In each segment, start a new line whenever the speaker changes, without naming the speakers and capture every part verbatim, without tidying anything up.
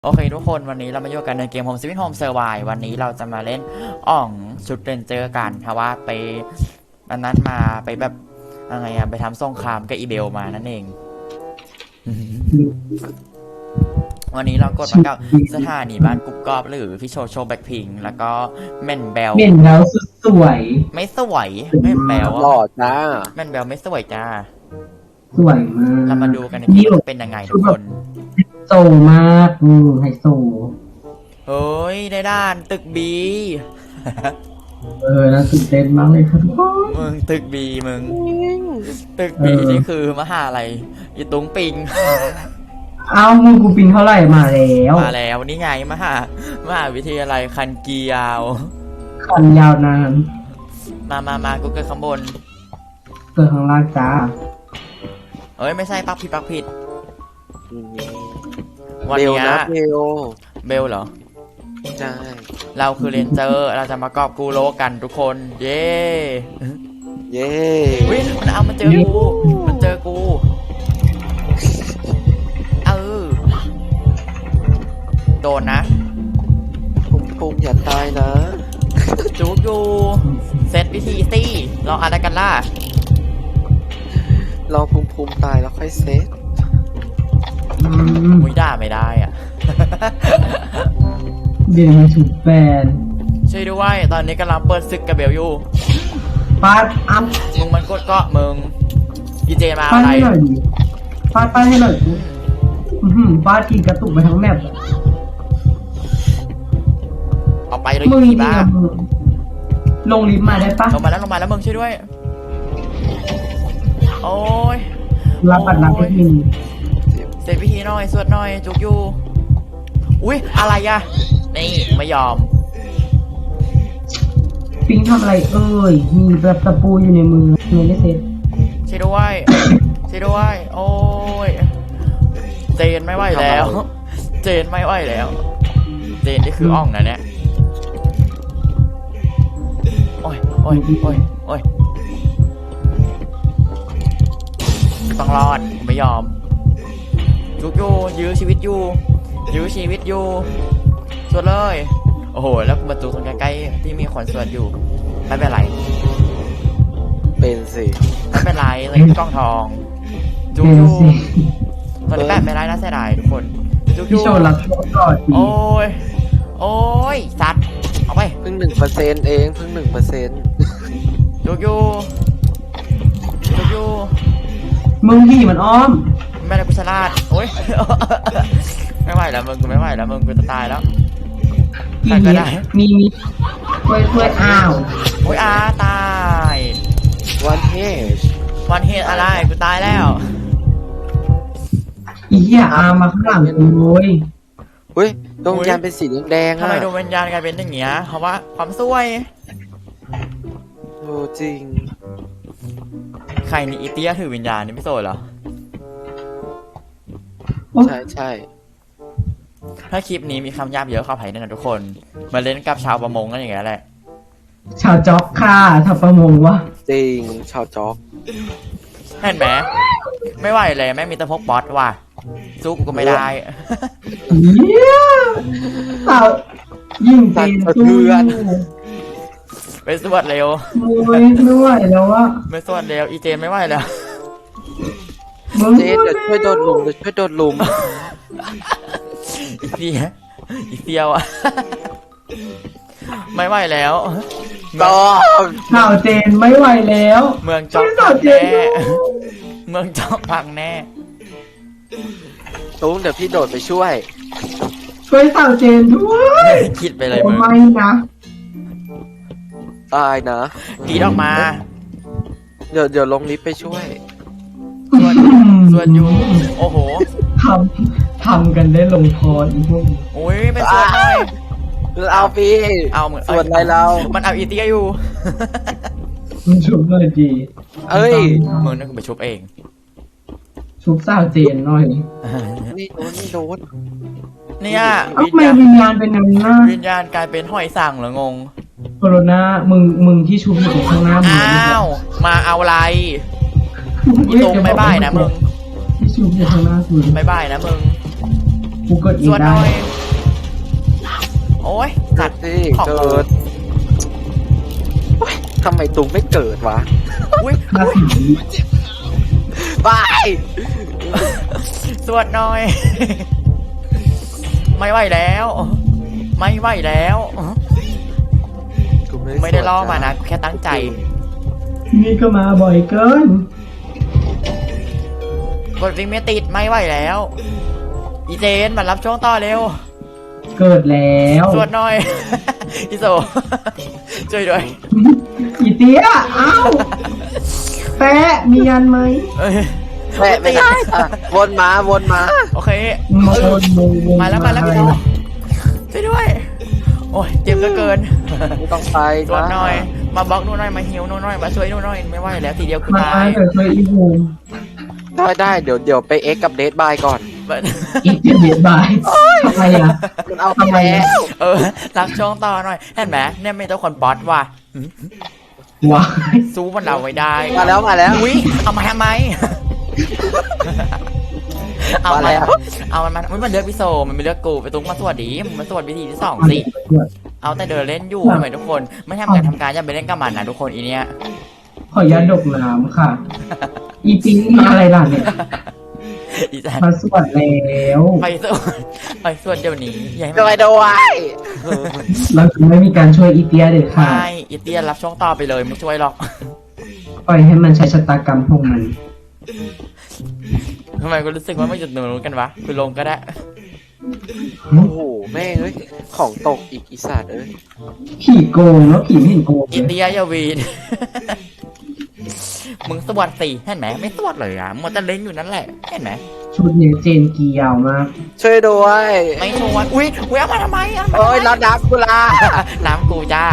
โอเคทุกคนวันนี้เรามาอยู่กันในเกม Home Sweet Home Survive วันนี้เราจะมาเล่นอ่องชุดเรนเจอร์กันเพราะว่าไปวันนั้นมาไปแบบอะไรอะไปทำสงครามกับอีเบลมานั่นเอง วันนี้เรากดมากับสถานีบ้านกุ๊กกอบหรือพี่โชโชแบ็คพิงแล้วก็แม่นเบล
เม่นแล้วสุดสวย
ไม่สวยแม่นเบล
หล่อจ้า
แม่นเบลไม่สวยจ้า
สวยมาก
เรามาดูกันในเกมว่าจะเป็นยังไงทุกคน
โซมากอืมไฮโซ
เฮ้ยในด้านตึกบี
เออน่าตื่นเต้นมากเลยครับทุกคน
มึงตึกบีมึงตึกบีนี่คือมหาอะไรอีตุงปิง
เอามึงกูปิงเท่าไหร่มาแล้ว
มาแล้วนี่ไงมหามหาวิทยาลัยคันเกียว
คันยาวนาน
มามามากูเกิดข้างบน
เกิดข้างล่างจ้า
เอ้ยไม่ใช่ปักผิดปักผิดวัน
เบล
เนี้ย
นะเบล
เบลเหรอ
ใช่
เราคือเรนเจอร์เราจะมากอบกูโลกกันทุกคน เย้
เย้
วิมันเอามันเจอกูมันเจอกูเออโดนนะ
ปุ้มปุ้มอย่าตายนะ
จูบอยู่เซตวิธีสิลองอะไรกันล่ะ
รอปุ้มปุ้มตายแล้วค่อยเซต
อืม
มุ้ยด่าไม่ได้อ่ะ
เดี๋ยวมาถูกแฟน
ช่วยด้วยตอนนี้กำลังเปิดศึกกับเบลอยู่
ฟาดอัพ
มึงมันกดเกาะมึงดีเจมา
ฟาด
อะไร
ให้หน่อยดิฟาดฟาดให้หน่อยกูอื้อหือฟาดทีกระตุกไปทั้งแมป
ออกไปเลย
มึง
อี
จริง
บ้า
อะมึงลงลิฟต์มาได้ปะ
ลงมาแล้วลงมาแล้วมึงช่วยด้วย โอ้ย
รับบัตรรับไปที
เสร็จพิธีหน่อยสวดหน่อยจุกอยู่อุ้ยอะไรอะนี่ไม่ยอม
ปิงทำอะไรเอ่ยมีแบบตะปูอยู่ในมือเงินไม่เซ็ต
ช่วยด้วยช่วยด้วยโอ้ยเจนไม่ไหวแล้ว เจนไม่ไหวแล้ว เจนนี่คืออ่องนะเนี่ยโอ้ยโอ้ยโอ้ยโอ้ยต้องรอดผมไม่ยอมจุกอยู่ยื้อชีวิตอยู่ยื้อชีวิตอยู่สวดเลยโอ้โหแล้วประตูตรงใกล้ๆที่มีคนสวดอยู่ไม่เป็นไร
เป็นสิ
ไม่เป็นไรเลยกล้องทองจุก
เป็น
อยู่
สิ
ตอนนี้แปดไม่ได้น่าเสียดายทุกคนจุกอ
พี่
ยู่
โชว์รับโชว์ก่อนดี
โอ้ยโอ้ยสัตว์เอาไป
เพิ่งหนึ่งเปอร์เซ็นต์เองเพิ่งหนึ่งเปอร์เซ็นต์
จุกอยู่จุกอยู่
มึงพี่มันอ้อม
ไม่ได้กุศลาดโอ้ย ไม่ไหวแล้วมึงกูไม่ไหวแล้วมึงกูจะตายแล้ว
อี
ใครก็
เนี้
ได้
ยมีมีช่วยช่วยอ้าว
โอ้ยอาตาย
วันเฮช
วันเฮดอะไรกูตายแล้ว
อีเหี้ยอามาข้างหลังกูเลย
เฮ้ยดวงวิญญาณเป็นสีแดงๆ
ทำ
อ่ะ
ไมดวงวิญญาณกลายเป็นอย่างเงี้ยเพราะว่าความซวย
โอ้จริง
ใครนี่อีเตียถือวิญญาณนี่ไม่โสดเหรอ
ใช่ใช่
ถ้าคลิปนี้มีคำหยาบเยอะเข้าไปแน่นอนทุกคน มาเล่นกับชาวประมงกันอย่างเงี้ยแหละ
ชาวจ็อกค่ะชาวประมงวะ
จริงชาวจ็อก
เห็นไหมไม่ไหวเลยแม่งมีแต่พวกบอสว่ะสู้กูก็ไม่ได้
เหี้ยสาวยิ่งเต็มสู้
ไปสวดเร็ว
โอ้ยไม่ไหวแล้ววะ
ไปสวดเร็วอีเจนไม่ไหวแล้ว
มึง
เจ๊เดี๋ยวช่วยโดดหลุมเดี๋ยวช่วยโดดหลุม
อีเฟียอีเฟียวอะ ไม่ไหวแล้ว
ต่อ
สาวเจนไม่ไหวแล้ว
เมืองจอก
สา
พั
ว
ง
เจ
แน่
นด้วย
เมืองจอกพังแน่
ตุ้งเดี๋ยวพี่โดดไปช่วย
ช่วยสาวเจนด้วย
คิดไปเลย
โอ้
มึง
ไม่นะ
ตายนะ
กรีดออกมา
เดี๋ยวเดี๋ยวลงลิฟต์ไปช่วย
ส่วนส่วนอยู่โอ้โห
ทำทำกันได้ลงคออีพวกนี้
โอ้ยไปสวดหน่อย
เอาพี่
เอาเหมือน
ส่วนอะไรเรา
มันเอาอีเตียอยู่
มึงชุบหน่อยดี
เอ้ย
มึงนั่นกูไปชุบเอง
ชุบสาวเจนหน่อย
นี่โดนนี่โดน
เนี่ย
เอ้า
วิญ
ทำไม
ญาณ
วิญญาณเป็นอย่างนั้นนะ
วิญญาณกลายเป็นหอยสั่งเหรองง
โคโรนามึงมึงที่ชุบอยู่ตรงข้างหน้ามึง
อ้าว มาเอาอะไรอีตรงไม่บ่ายนะมึง
ที่ชุบอยู่ข้างหน้ากู
ไม่บ่ายนะมึง
มกูกดเอ
ส
ง
วดห
ได้
น่อย โอ้ยสัตว์
สิ
ของ
เกิดโอ๊ยทำไมตุงไม่เกิดวะ
อุ้ย
มาผี
บาย
สวดหน่อย ไม่ไหวแล้ว ไม่ไหวแล้ว
กู
ไม่ได้ล่อมานะแค่ตั้งใจ
นี่ก็มาบ่อยเกิน
กดวิ่งไม่ติดไม่ไหวแล้ว อีเจนมารับช่วงต่อเร็ว
เกิดแล้ว
สวดหน่อย อีโซ ช่วยด้วย
อีเตี้ยอ้าวแปะมียันไหม
เอ้ย
แม่ไม่ได้อ่ะวนมาวนมา
โอเค
โมนโมน
มาแล้วมาแล้วพี่โซช่วยด้วย โอ้ยเจ็บเหลือเกิน
ไม่ต้องไป
สวดหน่อย มาบล็อกนู่นหน่อยมาฮิวนู่นหน่อยมาช่วยนู่นหน่อยไม่ไหวแล้วทีเดียวกู
มา
ตาย
เกิดเคยอีบู
ได้ได้เดี๋ยวเดี๋ยวไปเอ็กกับเดทบายก่อน
อีเตี้ยเบียดบายทำไมอ่ะ
มันเอาไป
ทำไม
แล้
อะ
ว
เออรับช่วงต่อหน่อยเห็นไหมเนี่ยไม่ต้องคนบอสว่ะ
ว้าย
สู้มันเราไว้ได้
มาแล้วมาแล้ว
อุ้ยเอามาทำไม เอา
มา
มา
แล้ว
เอามันมาอุ๊ยมันเลือกพี่โซมันไม่เลือกกูไปตุ้งมาสวัสดีมึงมาสวัสดีที่สองสิ เอาแต่เดินเล่นอยู่ทำไมทุกคน ไม่ทำการทำการอย่าไปเล่นกับมันนะทุกคนอีเนี้ย
ขอยันดกน้ำค่ะ อีปิงมาอะไรล่ะเนี่ย
อีจัน
มาสวดแล้ว
ไปสวดไปสวดเดี๋ยวนี้อย่าให้
โด
มัน
ยโดย
เราจะไม่มีการช่วยอีเตียเด็ดขาด
ไม่อีเตียรับช่วงต่อไปเลยไม่ช่วยหรอก
ปล่อยให้มันใช้ชะตากรรมของมัน
ทำไมกูรู้สึกว่าไม่จุดหนูรู้กันวะกูลงก็ได้
โอ้โหแม่งเอ้ยของตกอีกอีสัตว์เอ้ย
ผีโกงแล้วผีไม่เห็นโกง
อีเตียอย่าวีน มึงสวดสิเห็นไหมไม่สวดเลยอ่ะมัวแต่เล่นอยู่นั่นแหละเห็นไหม
ชุดเนี่ยเจนกียาวมาก
ช่วยด้วย
ไม่ชวนอุ้ยอุ้ยเอามาทำไมอ่ะ
โอ้ยแล้วดักกุลา
น้ำกูจ้า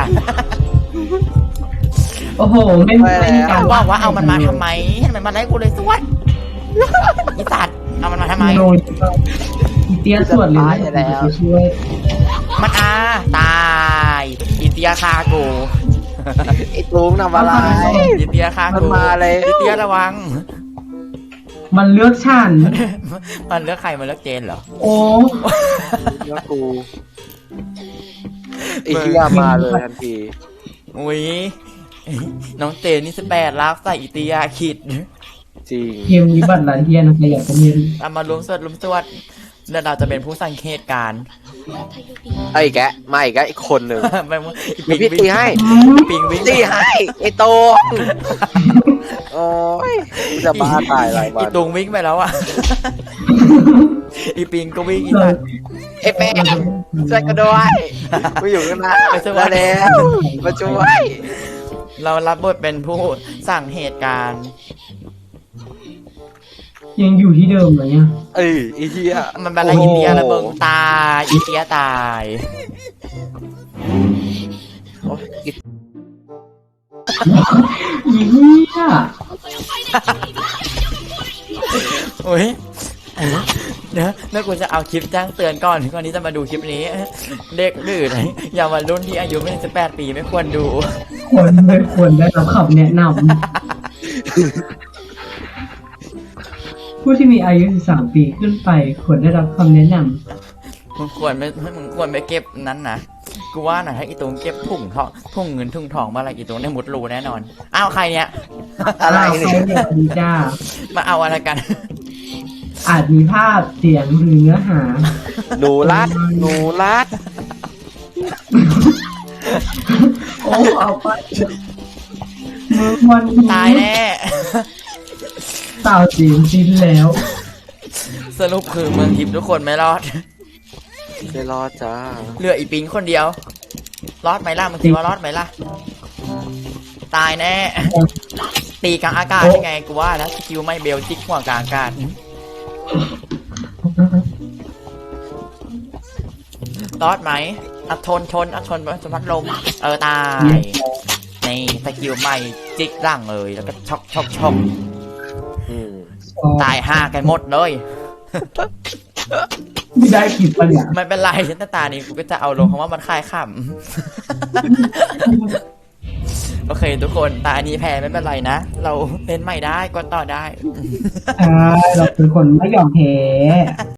โอ้โห ไม่
ไป
ไม่
แล้ว
มีการ
ว่าว่าเอามันมาทำไมเห็นไหมมันไล่กูเลยสวดอีสัตว์เอามันมาทำไม
โดนอีเตียสวดเลยนะจะช่วย
มันอาตายอีเตียคากู
ไอ้ตุงทำอะไร
อีเตียคา
มัน
กู
มาแล้ว
อีเตียระวัง
มันเลือกฉัน
มันเลือกใครมันเลือกเจนเหรอ
โอ้
เลือกกูไอ้เหี้ยมาเลยทันที
อุ้ยน้องเจนนี่สิบแปดรักใส่อีเตียขิด
จริง
เกมนี้บัตรลันเทียนใครอยากจะเรียน
เอามารวมสวดรวมสวดแล้วเราจะเป็นผู้สังเกตการณ์
ไอ้แกะมาอีกแกะอีกคนหนึ่ง
ไปมึงอี
มี
ปิง
พี่ตีให้
ปิงวิ่ง
ตีให้ไอ้โตงโอ้ยกูจะบ้าตายหลายวั
อี
น
ตุงวิ่งไปแล้วอ่ะ อีปิงก็วิ่งอีสัตว์
ไอ้แป๊ะช่วยกันด้วยกูอยู่ข้างหน้า
ไปช่วย
มาแล้วมาช่วย
เรารับบทเป็นผู้สั่งเหตุการณ์
ยังอยู่ที่เดิมเลยเนี่ย
เอ้ยไอ้เหี้ย
มันเป็นอะไรอีเตียระเบิงตายอีเตียตาย
โอ้ยอี
อีเหี้ย
โอ้ยเดี๋ยวแล้วกูจะเอาคลิปแจ้งเตือนก่อนก่อนที่จะมาดูคลิปนี้ เด็กดื้อไหนอย่ามารุ่นที่อายุไม่ถึงสิบแปดปีไม่ควรดู
ควรไม่ควรได้รับคำแนะนำผู้ที่มีอายุสิบสามปีขึ้นไปควรได้รับคำแนะน
มึงควรไม่มึงควรไปเก็บนั้นนะกูว่านะถ้าอีตรงเก็บถุงทองถุงเงินถุงทองมาอะไรอีตรงได้มุดรูแน่นอนอ้าวใครเนี้ย
ำ
อะไร
าว
เนี่ย
ใครเนี่ยดีจ้า
มาเอาอะไรกัน
อาจมีภาพเสียงหรือเนื้อหา
หนูรัดหนูรัด
โอ้เอาไปมือวันนี้
ตายแน่
สาวจีนจิ้นแล้ว
สรุปคือเมืองทิพย์ทุกคนไม่รอด
ไม่รอดจ้า
เหลืออีปิงคนเดียว รอดไหมล่ะมึงคิดว่ารอดไหมล่ะ ตายแน่ ตีกลางอากาศยังไงกูว่าแล้วสกิลไม่เบลจิกหัวกลางอากาศ รอดไหมอัดทนทนอัดทนสมัดลม เออตายนี่สกิลใหม่จิกร่างเลยแล้วก็ช็อกช็อกช็อก
อืม
ตายห้ากันหมดเลย
ไม่ได้คลิปปะเนี่ย
ไม่เป็นไรฉันตานี้กูก็จะเอาลงคำว่ามันคลายขำ โอเคทุกคนตาอันนี้แพ้ไม่เป็นไรนะ เราเล่นใหม่ได้ก็ต่อได้
ใช่เราเป็นคนไม่ยอมแพ้